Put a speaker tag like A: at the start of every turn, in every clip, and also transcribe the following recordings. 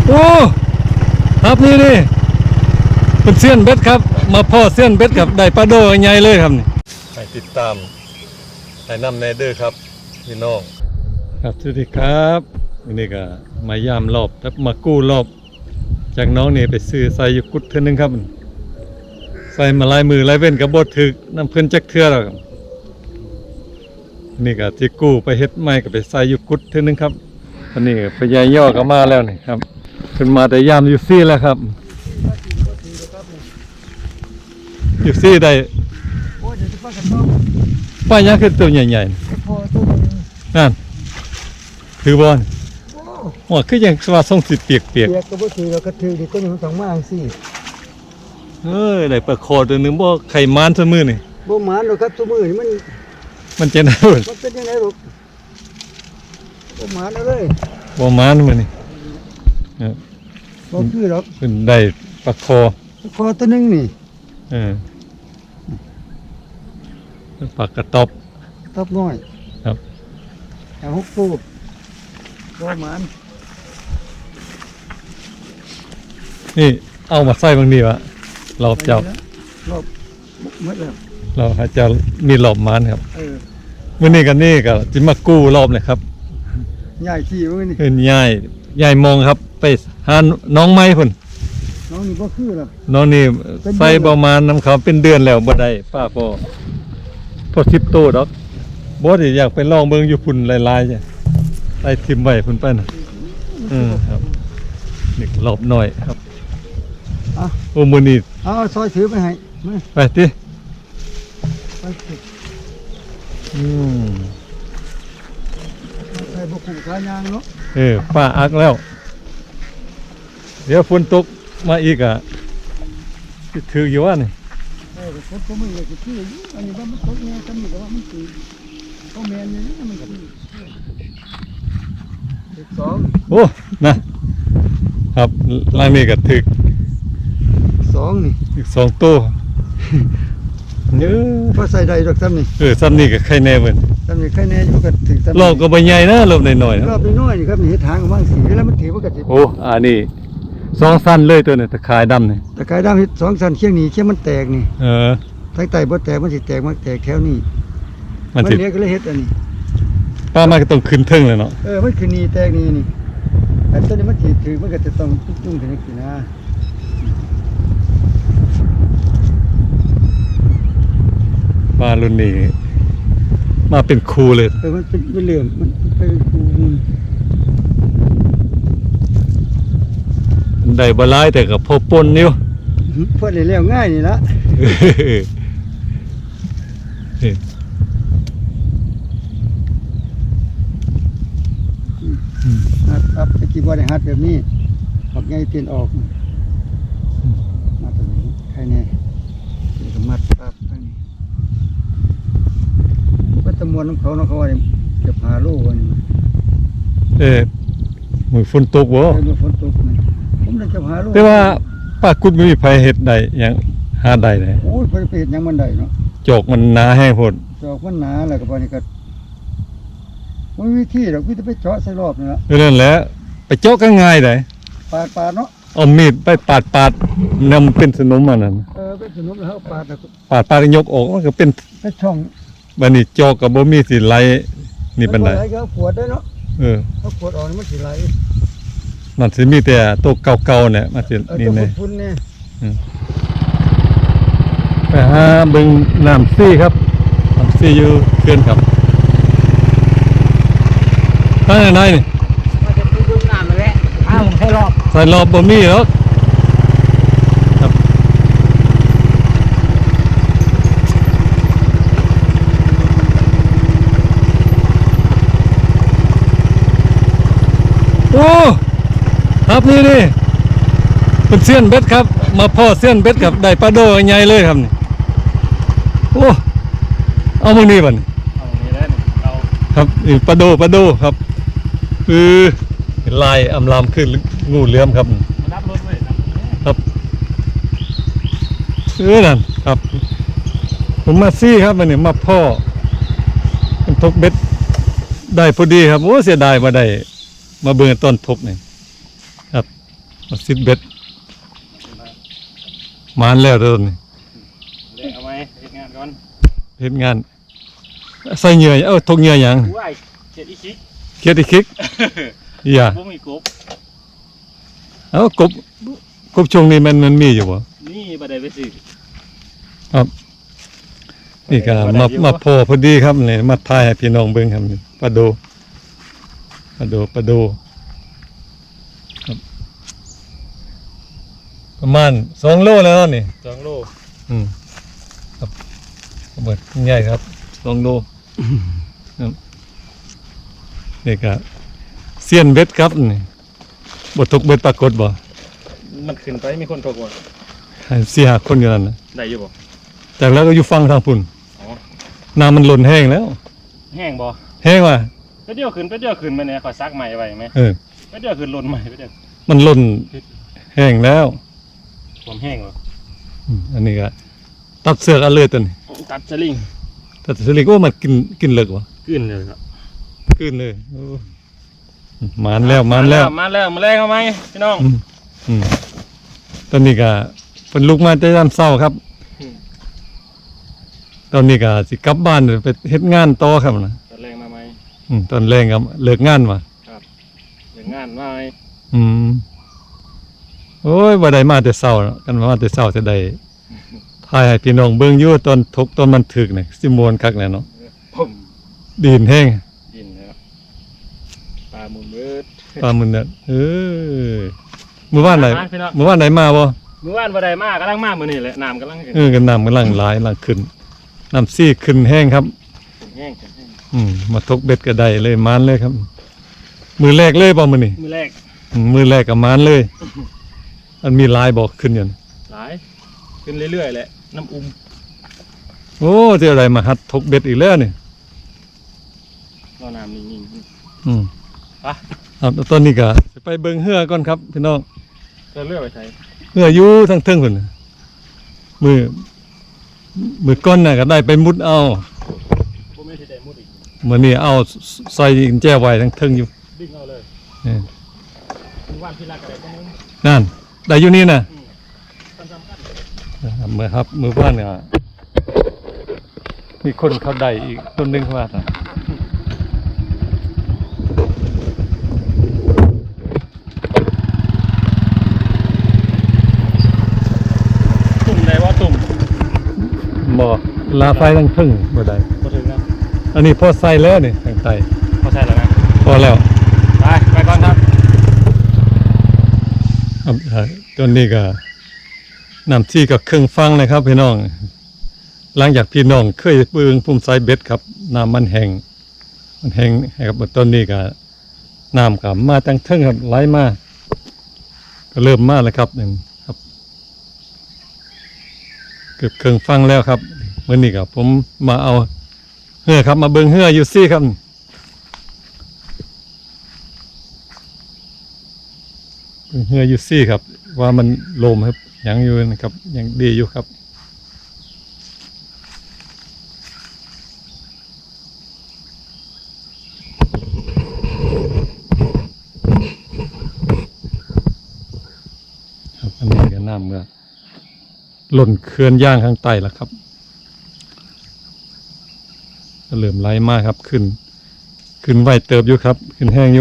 A: โอ้ครับนี่เป็นเสี้ยนเบ็ดครับมาพ่อเสี้ยนเบ็ดกับได้ปลาโดใหญ่เลยครับนี่ให้ติดตามให้นำแนเดอร์ครับพี่น้องครับสวัสดีครับวันนี้ก็มายามรอบแล้วมากู้รอบจากน้องนี่ไปซื้อใส่อยู่กุดเทื่อนึงครับใส่มาลายมือลายเว้นกับบดถึกน้ำเพิ่นจักเทื่อแล้วครับนี่ก็ที่กู้ไปเฮ็ดใหม่ก็ไปใส่อยู่กุดเทื่อนึงครับอันนี้พญายย่อก็มาแล้วนี่ครับขึ้นมาแต่ยามอยู่ซี่แล้วครับอยู่ซี่ได้ป้ายยังคือตัวใหญ่ๆนั่นคือบอลหัวคือยังสว่าทรงสิเปียก
B: ก็บ่ถือเราก็ถือดิต้นมันต้องมาจังซี่
A: ได้ปลาคอตัวนึงบ่ไข่มานซะมื้อนี่
B: บ่หมานหรอกครับซุมื้อนี่
A: มันจะได้
B: มันเป็นจังได๋ลูกบ่หมานเลย
A: บ่มานมื้อนี่
B: บ่คือหรอก
A: เพิ่นได้ปลาคอ
B: ตัวนึงนี่
A: ปลากระตอบ
B: น้อย
A: ครับ
B: เอา6ตัวบ่หมาน
A: นี่เอามาใส่บางดีวะรอบเจ้าร
B: อบหมดแล้ว
A: เราหาเจ้ามีรอบมานครับมื้อนี้กันนี่ก็สิมากู้รอบเลยครับ
B: ย้ายที่มื้อนี้
A: เพิ่นย้ายมองครับไปหาน้องไม้พุ่น
B: น้องนี่บ่คือหรอ
A: น้องนี่ใส่ประมาณน้ำเขาเป็นเดือนแล้วบ่ได้ป้าพอ10โตดอกบ่ได้อยากไปลองเบิ่งอยู่พุ่นหลายๆจ้ะไล่ทิ่มไว้พุ่นไปน่ะครับนี่รอบน้อยครับโอ้มื้อนี้
B: ซอยถือไปให้
A: ไปติ
B: ใส่บ่คุ้มค่ายางเนาะ
A: ป้าอักแล้วเดี๋ยวฝนตกมาอีกอ่ะสิถืออยู่ว่านี่
B: ฝนตกมันก็สิอยู่อันนี้ว่ามันตกแน่ซั่นนี่ก็ว่ามันสิบ่แม่นนี่มันก็
A: โอ้นะครับล่างนี้ก็ถึก
B: 2นี่
A: อีก2ตัว
B: พอใส่ได้ดอกซ้ำนี่
A: ซ้ำนี่ก็ไข่แน่เบิ่น
B: ซ้ำนี่ไข่แน่อยู่ก็ถึงซ้ำ
A: รอบก็บ่ใหญ่นะรอบน้อยๆนะ
B: รอบน้อยๆนี่ครับนี่เฮ็ดทางว่างสีแล้วมันถือว่าก็สิ
A: โอ้อันนี้2สั้นเลยตัวนี้ตะข่ายดำนี่
B: ตะข่ายดำเฮ็ด2สั้นเคียงนี่เคียงมันแตกนี่ทางใต้บ่แตกมันสิแตกมันแตกแถวนี้มันเนี้ยก็เลยเฮ็ดอันนี้
A: ป้ามาก็ต้องขึ้นเทิงเลยเนาะ
B: มันคือนี่แตกนี่แต่ตัวนี้มันสิถือมันก็จะต้องจุ้งๆถึงนี่นะ
A: มารุ่นนี้มาเป็นครูเลย
B: มันเป็นเหลื่อมมันเป็นครู
A: ได้บ่หลายแต่ก็พอปนอยู่
B: พอได้แล้วง่ายนี่ละฮัดไปกี่บ่ได้ฮัดแบบนี้ออกไงเปลี่ยนออกมาตัวนี้ใครแน่เดี๋ยวมัดปั๊บไปนี่วัตมวลของเขาเนาะเขาว่าจะพาลูกวันนี้
A: มือฝนตกบ่
B: มือฝนตกนี่ผมเลยจะพาลูก
A: แต่ว่าป้ากุดมีไผเฮ็ดได้ยังหาได้เลย
B: โอ้ยไปเฮ็ดยังมันได้เนาะ
A: จอกมันหนาแห้งโพด
B: จอกมันหนาแล้วก็บ่นี่ก็บ่มีวิธีดอกคือจะไปเจาะใส่รอบนี่ล่ะ
A: นั่นแหละไปเจาะก็ง่ายได้
B: ปาดเนาะ
A: เอามีดไปปาดนำเป็นสนมมันนั่น
B: เป็นสนมแล้วปา
A: ดยกออกมันก็เป็น
B: ช่อง
A: บัดนี้จอกก็บ่มีสิไหลนี่ปานใด
B: ก็ขวดได้เนาะเอาขวดออกมันสิไหล
A: มันสิมีแต่ตัวเก่าๆเนี่ยมันสินี่แน่ไปหาเบิ่งน้ำซี่ครับน้ำซี่อยู่เขื่อนครับข้างในนี่
B: มาจะดูน้ำแหละใส่
A: รอบบ่มีหรอกครับโอ้ครับนี่เป็นเสี้ยนเบ็ดครับมาพ่อเสี้ยนเบ็ดกับได้ปลาโดใหญ่เลยครับนี่โอ้เอามือนี่บัดนี้ครับนี่ปลาโดครับลายอำลามขึ้นงูเหลือมครับครับนั่นครับผมมาซี่ครับมันนี่มาพ่อเป็นทกเบ็ดได้พอดีครับโอ้เสียดายมาได้มาเบิ่งต้นทกนี่ครับมาซิดเบ็ดมานแล้วเด้อนี่
C: เล่เอาไหมเฮ็ดงานก่อน
A: เฮ็ดงานใส่เหงื่อทกเหงื่อหยัง
C: ว้ายเฮ็ดอีคิก
A: เคียดอีคิกอย่า
C: บ่มีกบ
A: กบช่วงนี้มันมีอยู่บ่
C: นี่บ่ได้ไปซื้อ
A: ครับนี่ก็มาพอพอดีครับนี่มาถ่ายให้พี่น้องเบิ่งครับนี่ปลาโดครับประมาณ2โลแล้วนี่
C: 2โล
A: ครับเบิดใหญ่ครับ2โลครับนี่ก็เซียนเบ็ดครับนี่บ่ตกเบ็ดปรากฏบ่
C: มันขึ้นไปมีคนตกบ่
A: ให้4-5คนอยู่นั่นน่ะ
C: ได้อยู่บ่
A: จากแล้วก็อยู่ฝั่งทางพุ่น
C: อ๋อ
A: น้ำมันล้นแห้งแล้ว
C: แห้งบ่
A: แห้งว่ะ
C: ไปเดี๋ยวขึ้นมาเนี่ยขอซักใหม่ไว้ไหม ไปเดี๋ยวขึ้นลนใหม่ไปเดี๋ยว
A: มันล้นแห้งแล้ว
C: ความแห้งบ่
A: อันนี้ก็ตัดเสือกเอาเลยตัวนี้
C: ตัดสลิง
A: ตัดสลิงโอ้มันกินเลิกวะ
C: ขึ้นเลยครับ
A: กินเลยโอ้มานแล้ว
C: มาแล้วมาแรงเอาไหมพี่น้อง
A: อืมตอนนี้ก็เป็นลูกมาแต่ยามเช้าครับ ตอนนี้ก็สิกลับบ้านไปเฮ็ดงานต่อครับนะ
C: ตัดแรงมาไหม
A: ตอนแรงก็เลิกงานว่ะ
C: เรื่องงานมาไหม
A: โอ้ยบ่ได้มาแต่เช้าเนาะกันมาแต่เช้าจะได้ถ่ายให้พี่น้องเบิ่งอยู่ตอนทกตอนมันถึกนี่สิม่วนคักแน่เนาะ
C: ผม
A: ดินแห้ง
C: ยินแล้วปลาหมุนเบิด
A: ปลามันเนี่ยมื้อวานไหน
C: พี่น้อง
A: มื้อวานไหนมาบ่
C: เมื่อวานบ่ได้มากำลังมามื้อนี้แหละน้ำกำลังขึ้น
A: กันน้ำกำลังไหลายกำลังขึ้นน้ำซี่ขึ้นแห้งครับ
C: แห้ง
A: มาทกเบ็ดก็ได้เลยมานเลยครับ มือแรกเลยบ่มื้อนี้
C: มื้อแรก
A: มือแรกก็มานเลย มันมีลายบอกขึ้นอยู่นะ
C: หลายขึ้นเรื่อยๆแหละน้ำอุ้ม
A: โอ้เจออะไรมาหัดทกเบ็ดอีกแล้วนี่
C: รอน้ำนิ่ง
A: อืม
C: ๆไป
A: ครับแล้วตอนนี้ก็สิไปเบิ่งเรือก่อนครับพี่น้อง
C: จะเลื่อยไปใส่
A: เรืออยู่ทางเทิงพุ่นน่ะมือก้อนน่ะก็ได้ไปมุดเอา
C: บ่มีที่ได้มุดอีก
A: มื้อนี้เอาใส่กุญแจไว้ทางเทิงอยู่
C: ดึงเอาเลย
A: นี่
C: มื้อวานพี่รักก็ได้บ่นึง
A: นั่นได้อยู่นี่น่ะ
C: สำคัญ
A: ครับมือบ้านเนี่ยมีคนเขาได้อีกต้นหนึงว่าน่ะ
C: ตุ่มได้ว่าตุ่ม
A: บ่ลาไฟทางเทิงบ่ได้
C: บ่ถึงนะ
A: อันนี้พอใส่แล้วนี่ทางใต้
C: พอใส่แล้วนะ
A: พอแล้ว
C: ไปก่อนครับ
A: ครับต้นนี้ก็น้ำที่กับเครื่องฟังเลยครับพี่น้อง หลังจากพี่น้องเคยเบิ่งพุ่มไซเบ็ดครับน้ำมันแห้งให้ครับต้นนี้ก็น้ำก็มาตั้งเทิงครับไหลมาก็เริ่มมาแล้วครับนี่ครับเกือบเครื่องฟังแล้วครับมื้อนี้ก็ผมมาเอาเหือครับมาเบิ่งเหืออยู่ซี่ครับเบิ่งเหืออยู่ซี่ครับ ว่ามันโลมครับยังอยู่นะครับยังดีอยู่ครับครับอันนี้ก็น้ำเมื่อหล่นเขื่อนย่างข้างใต้แล้วครับก็เริ่มไหลมากครับขึ้นไหวเติบอยู่ครับขึ้นแห้งอยู่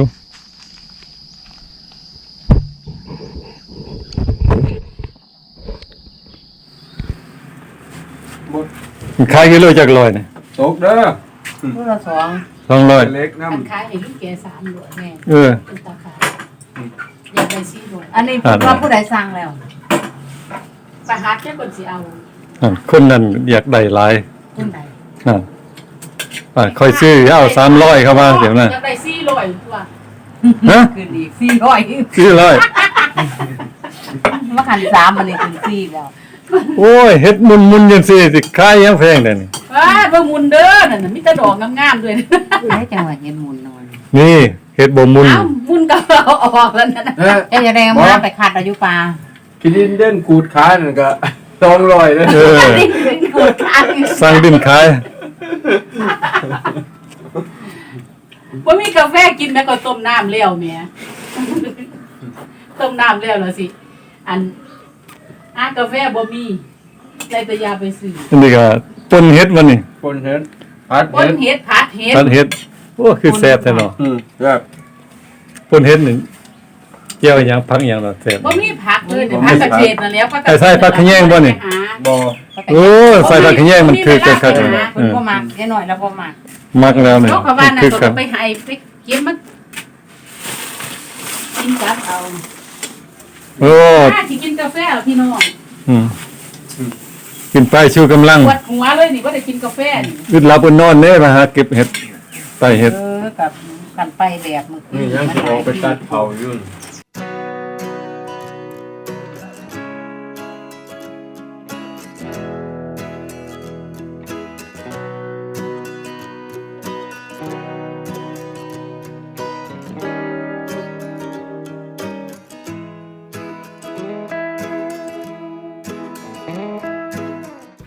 A: ขายกิโลจากลอยเนี่ย
B: ตกเด้อ
D: ตัวละสอง
A: 200
B: เล็กน้
D: อันขายอย่างนี้แก3ด้วยแม่
A: เออ
D: เป็นตาขายอยากได้4ด้วยอันนี้ว่าผู้ใดสั่งแล้วไปหาแค่คนสิเอา
A: คนนั้นอยากได้หลาย
D: คนใด
A: นั่นค่อยซื้อเอา300เข้ามาเดี๋ยวนะ
D: อยากได้400ตัว
A: ฮะ
D: ขึ้นอีก400
A: 400
D: มาขัน3อันนี้ขึ้น4แล้ว
A: โอ้ยเฮ็ดมุนจังซี่สิขายยังแพงเด้นี่
D: เบิ่งมุนเด้อนั่นน่ะมีแต่ดอกงามๆด้วย
E: ได้จังหวัดเห็นมุนนอน
A: นี่เฮ็ดบ่มุน
D: เอ้ามุนก็เอาออกแล้วนั่นน่ะ
B: ำเออ
E: เจะแรงมาไปขัดอายุปลา
B: กินดินเด่นขูดขานั่นก็200เลย
A: เออ
D: นี่เป็นโกดขาย
A: สั่งดินขาย
D: บ่มีกาแฟกินแม่ก็ต้มน้ำแล้วแม่ต้มน้ำแล้วล่ะสิ อันกาแฟบ่มีได้แต่ยาไปซื้อ
A: อันนี้ก็ปนเฮ็ดวันนี้
B: คนเห็นพัด
D: ปนเฮ็ดผัดเฮ็ด
A: ผัดเฮ็ดโอ้คือแซ่บแท้เนาะ
B: แบบ
A: ปนเฮ็ดนี่เกี่ยวหยังผักหยังเนาะแซ่บ
D: บ่มีผักเลยแต่ผักกระเฉดนั่นแหล้ว
A: ไอ้ใส่ผักขะแยงบ่นี่
B: บ่
A: โอ้ใส่ผักขะแยงมันคือกันครับ
E: เพิ่นบ่มักแค่น้อยแล้วบ่มัก
A: มักแล้วนี่
D: เขาก็ว่าน่ะ
A: คือ
D: ก็
A: กัน
D: ไปให้ไปเก็บมากินกับเอา
A: โอ้
D: ถ้าสิกินกาแฟเหรอพี่น้อง
A: อืมกินไปชูกำลัง
D: ปวดหัวเลยนี่บ่ได้กินกาแฟนี่
A: อึดหลับอึดนอนเด้มาหาเก็บเห็ดใต้เห็ด
E: กับกันไปแบบมื้อคื
B: นี่ยังสิออกไปตัดเผาอยู่
E: เ